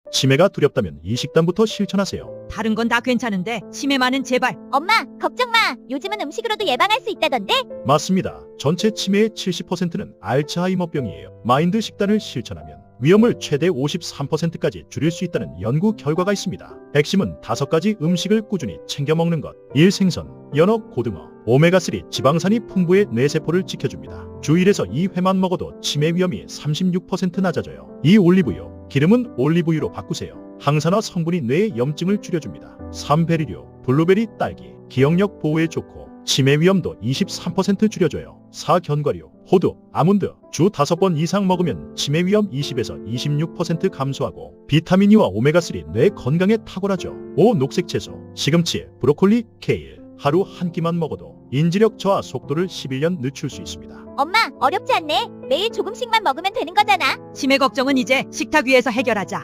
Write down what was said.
치매가 두렵다면 이 식단부터 실천하세요. 다른 건 다 괜찮은데 치매만은 제발. 엄마, 걱정 마. 요즘은 음식으로도 예방할 수 있다던데? 맞습니다. 전체 치매의 70%는 알츠하이머병이에요. 마인드 식단을 실천하면 위험을 최대 53%까지 줄일 수 있다는 연구 결과가 있습니다. 핵심은 5가지 음식을 꾸준히 챙겨 먹는 것. 1. 생선, 연어, 고등어, 오메가3 지방산이 풍부해 뇌세포를 지켜줍니다. 주 1에서 2회만 먹어도 치매 위험이 36% 낮아져요. 2. 올리브유, 기름은 올리브유로 바꾸세요. 항산화 성분이 뇌의 염증을 줄여줍니다. 3. 베리류, 블루베리, 딸기, 기억력 보호에 좋고 치매 위험도 23% 줄여줘요. 4. 견과류, 호두, 아몬드, 주 5번 이상 먹으면 치매 위험 20에서 26% 감소하고 비타민 E와 오메가3 뇌 건강에 탁월하죠. 5. 녹색 채소, 시금치, 브로콜리, 케일, 하루 한 끼만 먹어도 인지력 저하 속도를 11년 늦출 수 있습니다. 엄마, 어렵지 않네. 매일 조금씩만 먹으면 되는 거잖아. 치매 걱정은 이제 식탁 위에서 해결하자.